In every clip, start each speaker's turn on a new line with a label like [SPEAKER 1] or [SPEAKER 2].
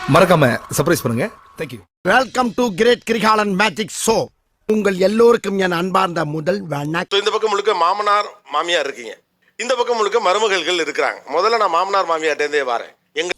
[SPEAKER 1] மறக்காம சர்ப்ரைஸ் பண்ணுங்க. Thank you.
[SPEAKER 2] Welcome to great Kirikalan magic show. உங்கள் எல்லோருக்கும் என் அன்பார்ந்த முதல் வணக்கம்.
[SPEAKER 3] இந்த பக்கம் முழுக்க மாமனார் மாமியார் இருக்கீங்க, இந்த பக்கம் முழுக்க மருமகள்கள் இருக்கிறாங்க. முதல்ல நான் மாமனார் மாமியார்ட்டே வரேன்.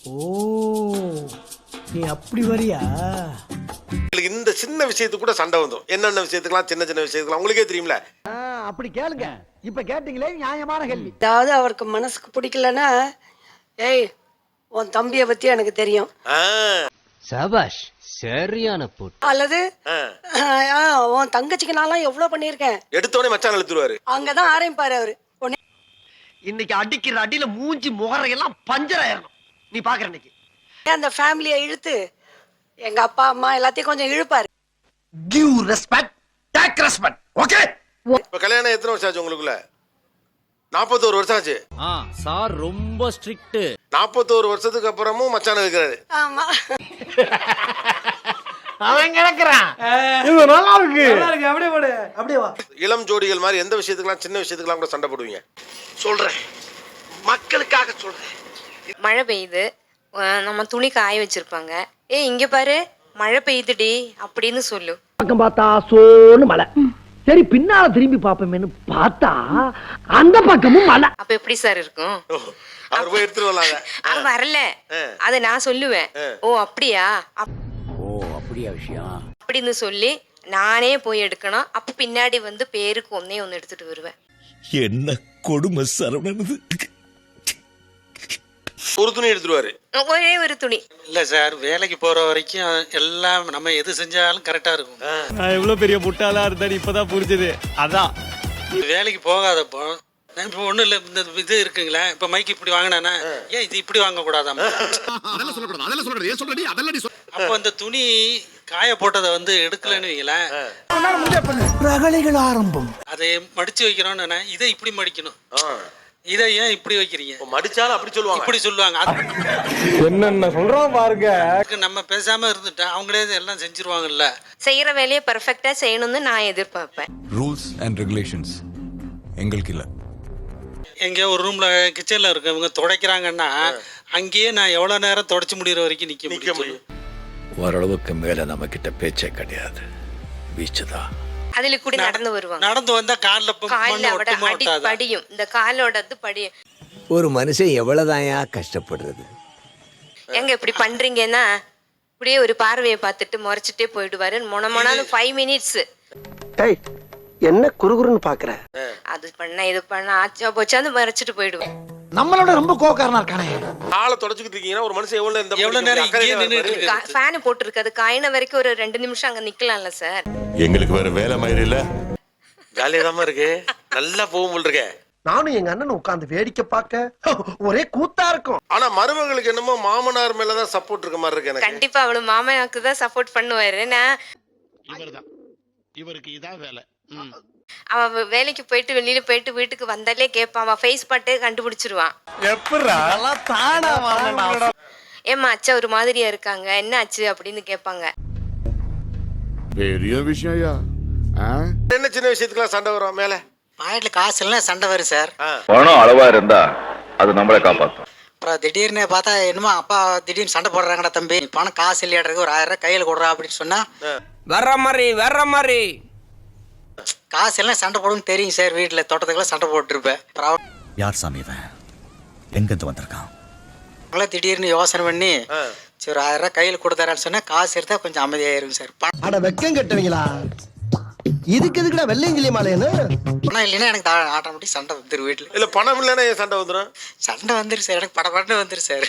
[SPEAKER 2] நீ அப்படி வரியா?
[SPEAKER 3] இந்த சின்ன விஷயத்துக்கு கூட சண்டை வந்துடும். என்னென்ன விஷயத்துக்குலாம், சின்ன சின்ன விஷயத்துக்குலாம் உங்களுக்கே தெரியும்ல.
[SPEAKER 2] அப்படி கேளுங்க. இப்ப கேட்டீங்களே நியாயமான கேள்வி.
[SPEAKER 4] அதாவது அவருக்கு மனசுக்கு பிடிக்கலன்னா, ஏய் உன் தம்பியை பத்தி எனக்கு தெரியும்,
[SPEAKER 5] சபாஷ் சரியான போட்டு,
[SPEAKER 4] அல்லது உன் தங்கச்சிக்கு நான்லாம் எவ்வளவு பண்ணியிருக்கேன்,
[SPEAKER 3] எடுத்தோடனே மச்சான் இழுத்துருவாரு.
[SPEAKER 4] அங்கதான் ஆரம்பிப்பாரு அவரு.
[SPEAKER 2] இன்னைக்கு அடிக்கிற அடியில மூஞ்சி முகரையெல்லாம் பஞ்சர் ஆயிரணும். நீ பாக்குற இன்னைக்கு
[SPEAKER 4] அந்த ஃபேமிலியை இழுத்து எங்க அப்பா அம்மா எல்லாத்தையும் கொஞ்சம் இழுப்பாரு.
[SPEAKER 2] Give respect, take respect. Okay.
[SPEAKER 3] இப்ப கல்யாணம் எத்தனை வருஷம் ஆச்சு உங்களுக்குள்ள? 41 வருஷம் ஆச்சு.
[SPEAKER 5] சார் ரொம்ப ஸ்ட்ரிக்ட்.
[SPEAKER 3] 41 வருஷத்துக்கு அப்புறமும் மச்சான் இருக்கிறாரு.
[SPEAKER 4] ஆமா,
[SPEAKER 2] அவன் கிடக்குறான். இது நல்லா இருக்கு. அப்படியே போடு, அப்படியே வா.
[SPEAKER 3] இளம் ஜோடிகள் மாதிரி எந்த விஷயத்துக்குலாம், சின்ன விஷயத்துக்குலாம் கூட சண்டை போடுவீங்க?
[SPEAKER 2] சொல்றேன், மக்களுக்காக சொல்றேன்.
[SPEAKER 6] மழை பெய்யுது, நம்ம துணி காய வச்சிருப்பாங்க. இங்க பாரு மழை பெய்யுதுடி அப்படின்னு சொல்லு.
[SPEAKER 2] பக்கம் பார்த்தா சோன்னு மலை. சரி பின்னால திரும்பி பாப்போமேன்னு பார்த்தா அந்த பக்கமும் மலை.
[SPEAKER 6] அப்ப எப்படி சார் இருக்கும்?
[SPEAKER 3] அவர் போய் எடுத்துட்டு வரலாங்க.
[SPEAKER 6] அது வரல, அத நான் சொல்லுவேன். ஓ அப்படியா,
[SPEAKER 5] அப்படியா விஷயம்
[SPEAKER 6] அப்படின்னு சொல்லி நானே போய் எடுக்கணும். அப்ப பின்னாடி வந்து பேருக்கு ஒன்னே ஒன்னு எடுத்துட்டு வருவேன்.
[SPEAKER 7] என்ன கொடுமை சரவணனது.
[SPEAKER 3] ஒரு துணி எடுத்துருவாரு,
[SPEAKER 6] ஒரே ஒரு துணி.
[SPEAKER 8] இல்லை சார், வேலைக்கு போகிற வரைக்கும் எல்லாம் நம்ம எது செஞ்சாலும் கரெக்டாக இருக்கும்.
[SPEAKER 5] நான் எவ்வளவு பெரிய முட்டாளா இருந்தேன் இப்பதான் புரிஞ்சது. அதான்
[SPEAKER 8] வேலைக்கு போகாதப்போ நான் இப்போ ஒன்றும் இல்லை, இந்த இது இருக்குங்களே, இப்போ மைக்கு இப்படி வாங்கினானா, ஏன் இது இப்படி வாங்கக்கூடாதாம். அப்போ அந்த துணி காய போட்டதை வந்து எடுக்கலன்னு வைங்களேன்,
[SPEAKER 2] ரகளைகள் ஆரம்பம்.
[SPEAKER 8] அதை மடிச்சு வைக்கிறோன்னு இதை இப்படி மடிக்கணும், இதை ஏன் இப்படி வைக்கிறீங்க,
[SPEAKER 3] மடிச்சாலும் அப்படி சொல்லுவாங்க,
[SPEAKER 8] இப்படி சொல்லுவாங்க.
[SPEAKER 2] என்னென்ன சொல்றோம் பாருங்க.
[SPEAKER 8] நம்ம பேசாம இருந்துட்டா அவங்களே எல்லாம் செஞ்சிருவாங்கல்ல.
[SPEAKER 6] செய்யற வேலையை பெர்ஃபெக்ட்டா செய்யணும்னு நான் எதிர்பார்ப்பேன்.
[SPEAKER 7] ரூல்ஸ் அண்ட் ரெகுலேஷன்ஸ் எங்களுக்கு இல்ல.
[SPEAKER 8] எங்கேயோ ஒரு ரூம்ல கிச்சன்ல இருக்கவங்க துடைக்கிறாங்கன்னா அங்கேயே நான் எவ்வளவு நேரம் தொடச்சு முடிகிற வரைக்கும் நிக்க முடியும்.
[SPEAKER 7] ஓரளவுக்கு மேல நம்ம கிட்ட பேச்சே கிடையாது, வீச்சுதான்.
[SPEAKER 6] அதுல கூட நடந்து வருவாங்க.
[SPEAKER 8] நடந்து வந்தா கால்ல
[SPEAKER 6] படியும், இந்த காலோட படியும்.
[SPEAKER 9] ஒரு மனுஷன் எவ்வளவுதாயா கஷ்டப்படுறது.
[SPEAKER 6] எங்க இப்படி பண்றீங்கன்னா இப்படியே ஒரு பார்வையை பார்த்துட்டு முறைச்சிட்டே போயிடுவாரு. மொனமொனான்னு 5 மினிட்ஸ்.
[SPEAKER 2] என்ன குறுகுறுன்னு பாக்குற?
[SPEAKER 6] அது பண்ண இது பண்ண ஆச்சா போச்சான்னு மறைச்சிட்டு போயிடுவேன்.
[SPEAKER 2] நம்மளோட ரொம்ப கோக்காரனா இருக்கானே.
[SPEAKER 3] காலை தொடச்சிட்டு இருக்கீங்கன்னா ஒரு மனுஷன் எவ்வளவு
[SPEAKER 8] நேரம் இங்கேயே நின்னுட்டு
[SPEAKER 6] ஃபேன் போட்டுருக்கு, காயின வரைக்கும் ஒரு 2 நிமிஷம் அங்க நிக்கலாம்ல சார்.
[SPEAKER 7] எங்களுக்கு வேற வேலை மாதிரி இல்ல.
[SPEAKER 3] ஜாலியாதான் இருக்கு, நல்லா போகும் இருக்கே.
[SPEAKER 2] நானும் எங்க அண்ணன் உட்கார்ந்து வேடிக்கை பார்க்க ஒரே கூத்தா இருக்கும்.
[SPEAKER 3] ஆனா மருமகளுக்கு என்னமோ மாமனார் மேலதான் சப்போர்ட் இருக்க மாதிரி இருக்கு எனக்கு.
[SPEAKER 6] கண்டிப்பா அவளு மாமனாக்கு தான் சப்போர்ட் பண்ணுவாரு.
[SPEAKER 8] இவருக்கு இதான் வேலை.
[SPEAKER 6] அவன் வேலைக்கு போயிட்டு வெளியில போயிட்டு வீட்டுக்கு வந்தாலே கேட்பான், அவன் ஃபேஸ் பாட்டே கண்டுபிடிச்சிருவான். ஏமா அச்சா ஒரு மாதிரியா இருக்காங்க, என்ன ஆச்சு அப்படின்னு கேட்பாங்க.
[SPEAKER 7] பெரிய விஷயம்.
[SPEAKER 3] என்ன சின்ன விஷயத்துக்குலாம் சண்டை வரும் மேல?
[SPEAKER 8] பாக்கெட்ல காசு இல்லைன்னா சண்டை வரும் சார்.
[SPEAKER 10] பணம் அளவா இருந்தா அது நம்மளை காப்பாற்றும்.
[SPEAKER 8] அப்புறம் திடீர்னு பார்த்தா என்னமோ அப்பா திடீர்னு சண்டை போடுறாங்கடா தம்பி, பணம் காசு இல்லையாடுறது, ஒரு 1000 ரூபாய் கையில கொடுறா அப்படின்னு சொன்னா
[SPEAKER 5] வர்ற மாதிரி
[SPEAKER 8] காசு எல்லாம் சண்டை போடுன்னு தெரியும் சார். வீட்டுல தோட்டத்துக்குலாம் சண்டை போட்டுருப்பேன்.
[SPEAKER 7] யார் சாமி இவன்? எங்க இருந்து வந்திருக்கான்?
[SPEAKER 8] திடீர்னு யோசனை பண்ணி சரி ஒரு 1000 ரூபாய் கையில் கொடுத்தாரான்னு சொன்னா காசு எடுத்தா கொஞ்சம் அமைதியாயிரும் சார்.
[SPEAKER 2] அட வெக்கம் கட்டுவீங்களா? இதுக்கு எதுக்குடா வெள்ளையங்கிலி மாலையன்னு?
[SPEAKER 8] பணம் இல்லைன்னா எனக்கு ஆட்டோமேட்டிக் சண்டை வந்துரு வீட்டுல.
[SPEAKER 3] இல்ல பணம் இல்லைன்னா ஏன் சண்டை வந்துடும்?
[SPEAKER 8] சண்டை வந்துரு சார், எனக்கு படப்படன்னு வந்துரு சார்.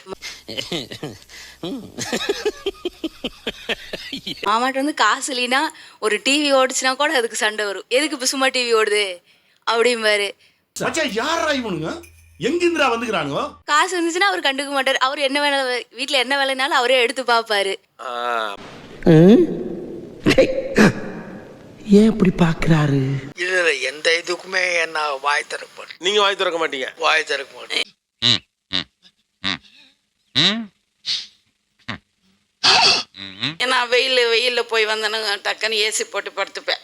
[SPEAKER 11] மாமாட்ட வந்து காசு இல்லைன்னா ஒரு டிவி ஓடிச்சுனா கூட அதுக்கு சண்டை வரும். எதுக்கு இப்போ சும்மா டிவி ஓடுது அப்படிம்பாரு.
[SPEAKER 7] யாரா இவனுங்க? எங்கிருந்துடா வந்துக்கிறானுங்க?
[SPEAKER 11] காசு இருந்துச்சுன்னா அவர் கண்டுக்க மாட்டார். அவர் என்ன வேலை, வீட்டுல என்ன வேலைனாலும் அவரே எடுத்து பாப்பாரு.
[SPEAKER 2] ஏன் இப்படி பாக்குறாரு?
[SPEAKER 8] இல்ல எந்த இதுக்குமே என்ன வாய் திறக்க மாட்டேன்.
[SPEAKER 3] நீங்க வாய் திறக்க மாட்டீங்க?
[SPEAKER 8] வாய் திறக்க மாட்டேன்.
[SPEAKER 11] ஏன்னா வெயில்ல போய் வந்தேன்னா டக்குன்னு ஏசி போட்டு படுத்துப்பேன்.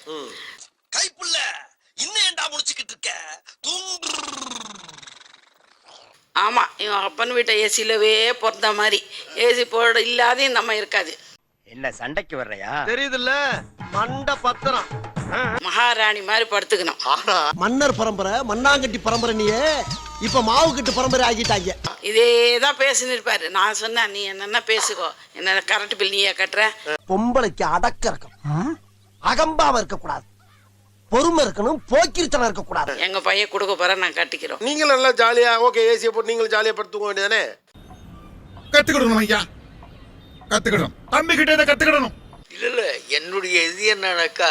[SPEAKER 2] கைப்புள்ள இன்னும் ஏண்டா முடிச்சுக்கிட்டு இருக்க?
[SPEAKER 11] ஆமா இவன் அப்பன் வீட்டை ஏசிலவே பிறந்த மாதிரி ஏசி போட இல்லாத நம்ம இருக்காது.
[SPEAKER 2] என்ன சண்டைக்கு வர்றையா தெரியுதுல்ல மண்ட பத்திரம்
[SPEAKER 11] மகாராணி மாதிரி படுத்துக்கணும்.
[SPEAKER 2] மன்னர் பரம்பரை மண்ணாங்கட்டி பரம்பரை நீயே இப்ப மாவு கட்டு பரம்பரை ஆகிட்டாங்க.
[SPEAKER 11] இதேதான் பேசின்னு இருப்பாரு. நான் சொன்னேன் நீ என்னென்ன பேசுக்கோ, என்ன கரண்ட் பில் நீயே கட்டுற.
[SPEAKER 2] பொம்பளைக்கு அடக்க இருக்கும், அகம்பாவ இருக்க கூடாது, பொறுமை இருக்கணும், போக்கிரித்தனம் இருக்க கூடாது.
[SPEAKER 11] எங்க பையன் கொடுக்க போற நான் கட்டிக்கிறோம்.
[SPEAKER 3] நீங்களும் நல்லா ஜாலியா ஓகே ஏசியை போட்டு நீங்களும் ஜாலியா படுத்துக்க வேண்டியதானே.
[SPEAKER 1] கத்துக்கிடணும் ஐயா, கத்துக்கிடணும். தம்பி கிட்ட இதை கத்துக்கிடணும்.
[SPEAKER 9] இல்ல என்னுடைய இது என்னன்னாக்கா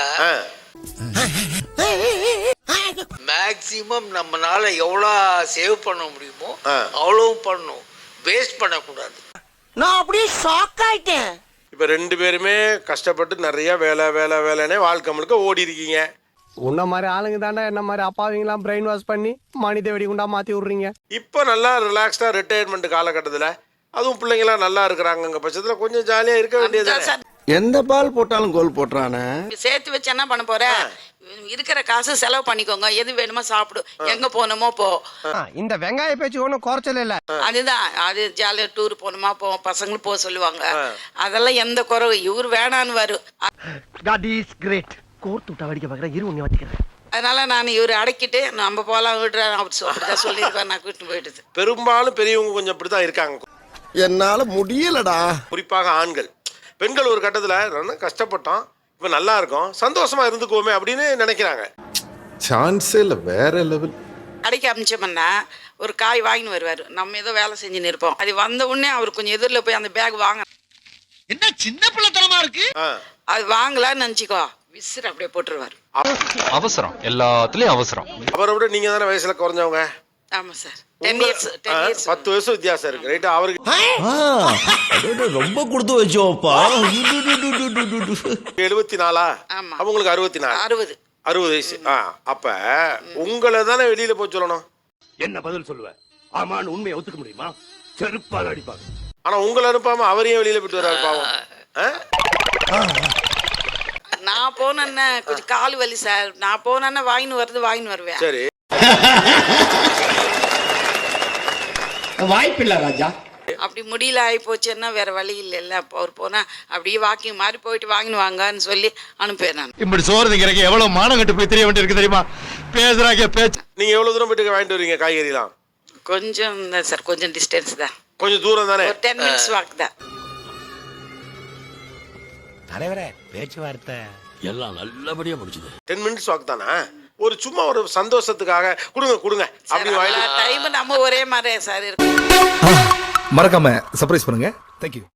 [SPEAKER 9] மேக்சிமம் நம்மனால எவ்வளோ சேவ் பண்ண முடியுமோ அவ்வளவும் பண்ணணும், வேஸ்ட் பண்ணக்கூடாது.
[SPEAKER 2] நான் அப்படியே ஷாக் ஆயிட்டேன்.
[SPEAKER 3] இப்ப 2 பேருமே கஷ்டப்பட்டு நிறைய வேலை வேலை வேலைன்னே வாழ்க்கை முழுக்க ஓடி இருக்கீங்க.
[SPEAKER 5] உன்ன மாதிரி ஆளுங்க தாண்டா என்ன மாதிரி அப்பாவிங்களாம் பிரெயின் வாஷ் பண்ணி மனித வெடிகுண்டா மாத்தி விடுறீங்க.
[SPEAKER 3] இப்போ நல்லா ரிலாக்ஸ்டா ரிட்டையர்மெண்ட் காலகட்டத்தில் அதுவும் பிள்ளைங்களாம் நல்லா இருக்கிறாங்க பட்சத்தில் கொஞ்சம் ஜாலியா இருக்க வேண்டியது.
[SPEAKER 2] எந்த பால் போட்டாலும் கோல் போட்டுறானே.
[SPEAKER 11] சேர்த்து வச்சு என்ன பண்ண போற? இருக்கிற காசு செலவு பண்ணிக்கோங்க, எது வேணுமோ சாப்பிடு, எங்க போகணுமோ போ.
[SPEAKER 5] இந்த வெங்காய பேச்சு ஒன்றும் குறைச்சல இல்ல.
[SPEAKER 11] அதுதான் அது ஜாலியா டூர் போகணுமா போ, பசங்களும் போக சொல்லுவாங்க. அதெல்லாம் எந்த குறவு இவர் வேணான்னு வரும்.
[SPEAKER 2] God is great. கோர்த்து விட்டா வடிக்க பார்க்குறேன், இரு ஒன்று வச்சுக்கிறேன்.
[SPEAKER 11] அதனால நான் இவர் அடக்கிட்டு நம்ம போகலாம் விடுறேன் அப்படிதான் சொல்லியிருக்கேன். நான் கூட்டிட்டு போயிடுது.
[SPEAKER 3] பெரும்பாலும் பெரியவங்க கொஞ்சம் இப்படிதான் இருக்காங்க.
[SPEAKER 2] என்னால முடியலடா.
[SPEAKER 3] குறிப்பாக ஆண்கள். பெண்கள் ஒரு கட்டத்தில் ரொம்ப கஷ்டப்பட்டோம், இப்போ நல்லா இருக்கும், சந்தோஷமா இருந்துக்குவோமே அப்படின்னு நினைக்கிறாங்க.
[SPEAKER 1] சான்ஸே இல்லை, வேற லெவல்.
[SPEAKER 11] கடைக்கு அமிச்சோம்னா ஒரு காய் வாங்கின்னு வருவார், நம்ம ஏதோ வேலை செஞ்சுன்னு இருப்போம். அது வந்த உடனே அவர் கொஞ்சம் எதிரில் போய் அந்த பேக் வாங்க.
[SPEAKER 2] என்ன சின்ன பிள்ளைத்தனமா இருக்கு.
[SPEAKER 11] அது வாங்கலான்னு நினச்சிக்கோ, விசிறு அப்படியே போட்டுருவார்.
[SPEAKER 5] அவசரம், எல்லாத்துலயும் அவசரம்.
[SPEAKER 3] அவரை விட நீங்க தானே வயசுல குறைஞ்சவங்க.
[SPEAKER 11] ஆமா சார், 10 years
[SPEAKER 3] 10 வயசு வித்தியாசம் இருக்கு ரைட்டா. அவருக்கு
[SPEAKER 9] ரொம்ப கொடுத்து வச்சோப்பா.
[SPEAKER 3] 74.
[SPEAKER 11] ஆமா.
[SPEAKER 3] அவங்களுக்கு 64.
[SPEAKER 11] 60
[SPEAKER 3] வயசு. அப்ப உங்களை தானே வெளியில போய் சொல்லணும்.
[SPEAKER 2] என்ன பதில் சொல்லுவ? ஆமான்னு உண்மையை ஒத்துக்க முடியுமா? செருப்பால் அடிப்பாங்க.
[SPEAKER 3] ஆனா உங்களை அனுப்பாம அவரையும் வெளியில போயிட்டு வர்றாரு பாவம்.
[SPEAKER 11] நான் போனேன்னா கொஞ்சம் கால் வலி சார், நான் போனேன்னா வாங்கின்னு வருவேன்.
[SPEAKER 3] சரி,
[SPEAKER 2] வாய்ப்பில்லை ராஜா.
[SPEAKER 11] அப்படி முடியல ஆகி போச்சுன்னா வேற வழி இல்லைல்ல. அப்போ அவர் போனா அப்படியே வாக்கிங் மாதிரி போயிட்டு வாங்கின்னு வாங்கன்னு சொல்லி அனுப்புவேன் நான்.
[SPEAKER 5] இப்படி சோறுங்கிறக்கு எவ்வளவு மானம் கட்டு போய் தெரிய வேண்டியிருக்கு தெரியுமா? பேசுறாங்க பேச்சு.
[SPEAKER 3] நீங்க எவ்வளவு தூரம் போயிட்டு வாங்கிட்டு வரீங்க காய்கறிலாம்?
[SPEAKER 11] கொஞ்சம் தான் சார், கொஞ்சம் டிஸ்டன்ஸ் தான்,
[SPEAKER 3] கொஞ்சம் தூரம் தானே.
[SPEAKER 11] ஒரு 10 minutes வாக் தான்.
[SPEAKER 9] தலைவரே பேச்சுவார்த்தை எல்லாம் நல்லபடியா முடிச்சுது.
[SPEAKER 3] 10 minutes வாக் தானே. ஒரு சும்மா ஒரு சந்தோஷத்துக்காக கொடுங்க அப்படி வாங்கிட்டு
[SPEAKER 11] டைம் நம்ம ஒரே மாதிரி சார் இருக்கு.
[SPEAKER 1] மறக்காம சர்ப்ரைஸ் பண்ணுங்க. தேங்க்யூ.